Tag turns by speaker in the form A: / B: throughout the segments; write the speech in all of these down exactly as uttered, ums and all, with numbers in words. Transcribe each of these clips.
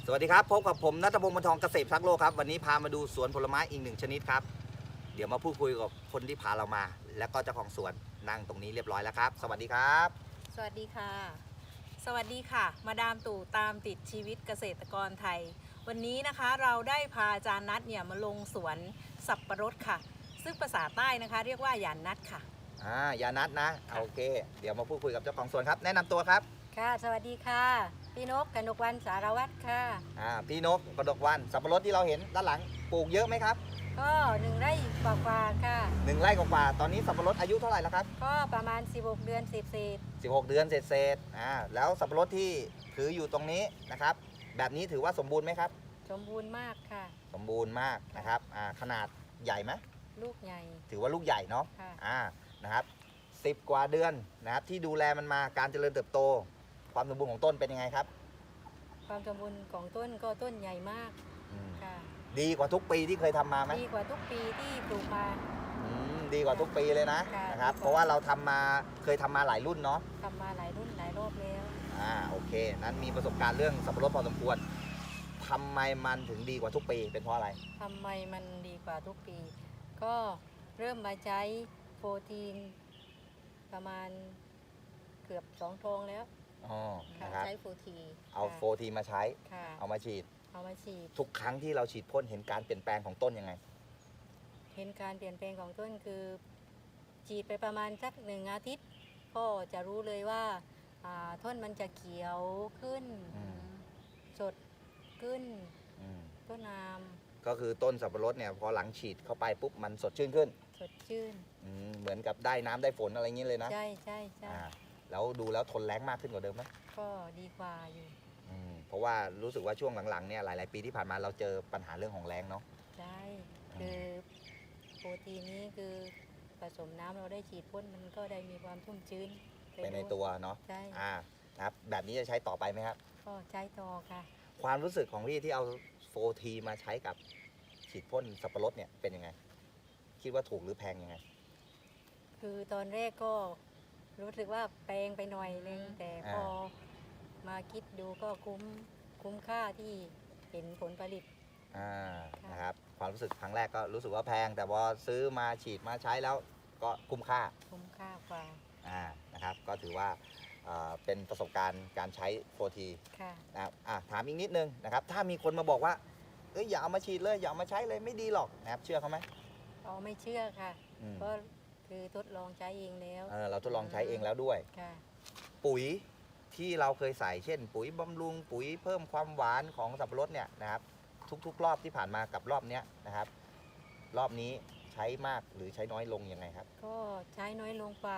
A: สวัสดีครับพบกับผมณัฐพงศ์ บรรทองเกษตรพักโลกครับวันนี้พามาดูสวนผลไม้อีกหนึ่งชนิดครับเดี๋ยวมาพูดคุยกับคนที่พาเรามาแล้วก็เจ้าของสวนนั่งตรงนี้เรียบร้อยแล้วครับสวัสดีครับ
B: สวัสดีค่ะ สวัสดีค่ะ มาดามตู่ตามติดชีวิตเกษตรกรไทย วันนี้นะคะเราได้พาอาจารย์นัทเนี่ยมาลงสวนสับปะรดค่ะ ซึ่งภาษาใต้นะคะ เรียกว่าหยานนัทค่ะ
A: อ่ายานัทนะโอเคเดี๋ยวมาพูดคุยกับเจ้าของสวนครับแนะนำตัวครับ
C: ค่ะสวัสดีค่ะพี่นกกนกวันสารวัตรค่ะ
A: อ่าพี่นกกระดกวันสับปะรดที่เราเห็นด้านหลังปลูกเยอะไหมครับ
C: ก็หนึ่งไร่กว่าๆค่ะ
A: หนึ่งไร่กว่าๆตอนนี้สับปะรดอายุเท่าไหร่แล้วครับ
C: ก็ประมาณสิบหกเดือนสิบเศษ
A: สิบหกเดือนเศษๆอ่าแล้วสับปะรดที่ถืออยู่ตรงนี้นะครับแบบนี้ถือว่าสมบูรณ์ไหมครับ
C: สมบูรณ์มากค่ะ
A: สมบูรณ์มากนะครับอ่าขนาดใหญ่ไหม
C: ลูกใหญ่
A: ถือว่าลูกใหญ่เนาะ
C: ค่ะ
A: อ่านะครับสิบกว่าเดือนนะครับที่ดูแลมันมาการเจริญเติบโตความสมบูรณ์ของต้นเป็นยังไงครับ
C: ความสมบูรณ์ของต้นก็ต้นใหญ่มากค่ะ
A: ดีกว่าทุกปีที่เคยทำมาไหม
C: ดีกว่าทุกปีที่ปลูกมา
A: อืมดีกว่าทุกปีเลยนะนะครับเพราะว่าเราทำมาเคยทำมาหลายรุ่นเนาะ
C: ทำมาหลายรุ่นหลายรอบแล้ว
A: อ่าโอเคนั้นมีประสบการณ์เรื่องสับปะรดพอสมควรทำไมมันถึงดีกว่าทุกปีเป็นเพราะอะไร
C: ทำไมมันดีกว่าทุกปี ก็เริ่มมาใช้โปรตีนประมาณเกือบสองทองแล้ว
A: อ๋อนะครับ
C: ใช้โฟที
A: เอาโฟทีมาใช้เอามาฉีด
C: เอามาฉีด
A: ทุกครั้งที่เราฉีดพ่นเห็นการเปลี่ยนแปลงของต้นยังไง
C: เห็นการเปลี่ยนแปลงของต้นคือฉีดไปประมาณสักหนึ่งอาทิตย์ก็จะรู้เลยว่าต้นมันจะเขียวขึ้นสดขึ้นต้นน้
A: ำก็คือต้นสับปะรดเนี่ยพอหลังฉีดเข้าไปปุ๊บมันสดชื่นขึ้น
C: สดชื่น
A: เหมือนกับได้น้ำได้ฝนอะไรอย่างนี้เลยนะ
C: ใช่ใช่ใช่
A: แล้วดูแล้วทนแรงมากขึ้นกว่าเดิมไหม
C: ก็ดีกว่าอยู่
A: เพราะว่ารู้สึกว่าช่วงหลังๆเนี่ยหลายๆปีที่ผ่านมาเราเจอปัญหาเรื่องของแรงเนาะ
C: ใช่คือโปรตีนนี้คือผสมน้ำเราได้ฉีดพ่นมันก็ได้มีความชุ่มชื้น
A: ไปในตัวเนาะ
C: ใช่
A: ครับแบบนี้จะใช้ต่อไปไหมครับ
C: ก็ใช้ต่อค่ะ
A: ความรู้สึกของพี่ที่เอาโฟทีมาใช้กับฉีดพ่นสับปะรดเนี่ยเป็นยังไงคิดว่าถูกหรือแพงยังไง
C: คือตอนแรกก็รู้สึกว่าแพงไปหน่อยนึงแต่พอมาคิดดูก็คุ้มคุ้มค่าที่เห็นผลผลิต
A: นะครับความรู้สึกครั้งแรกก็รู้สึกว่าแพงแต่พอซื้อมาฉีดมาใช้แล้วก็คุ้มค่า
C: คุ้มค่ากว่า
A: นะครับก็ถือว่าเป็นประสบการณ์การใช้โฟทีนะครับถามอีกนิดนึงนะครับถ้ามีคนมาบอกว่าเอ้ยอย่าเอามาฉีดเลยอย่าเอามาใช้เลยไม่ดีหรอกนะครับเชื่อเขาไหม
C: อ๋อไม่เชื่อค่ะเพราะคือทดลองใช้เองแล้ว
A: เเราทดลองใช้เองแล้วด้วยปุ๋ยที่เราเคยใส่เช่นปุ๋ยบำรุงปุ๋ยเพิ่มความหวานของสับปะรดเนี่ยนะครับทุกๆรอบที่ผ่านมากับรอบนี้นะครับรอบนี้ใช้มากหรือใช้น้อยลงยังไงครับ
C: ก็ใช้น้อยลงกว่า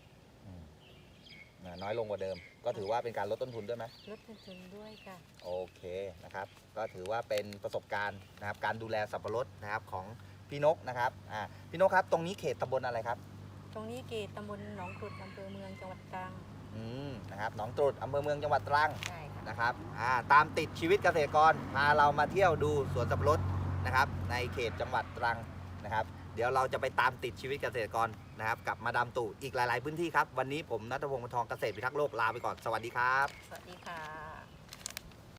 A: น้อยลงกว่าเดิมก็ถือว่าเป็นการลดต้นทุนด้วยไหม
C: ลดต้นทุนด้วยค่ะ
A: โอเคนะครับก็ถือว่าเป็นประสบการณ์นะครับการดูแลสับปะรดนะครับของพี่นกนะครับอ่าพี่นกครับตรงนี้เขตตำบลอะไรครับ
C: ตรงนี้เขตตำบลหนองกรุดอำเภอเมืองจังหวัดตรัง
A: อืมนะครับหนองตรุษอำเภอเมืองจังหวัดตรัง
C: ใช่ค่ะ
A: นะครับอ่าตามติดชีวิตเกษตรกรพาเรามาเที่ยวดูสวนสับปะรดนะครับในเขตจังหวัดตรังนะครับเดี๋ยวเราจะไปตามติดชีวิตเกษตรกรนะครับกับมาดามตู่อีกหลายๆพื้นที่ครับวันนี้ผมณัฐพงศ์ บรรทองเกษตรพิทักษ์โลกลาไปก่อนสวัสดีครับ
C: สวัสดีค่ะ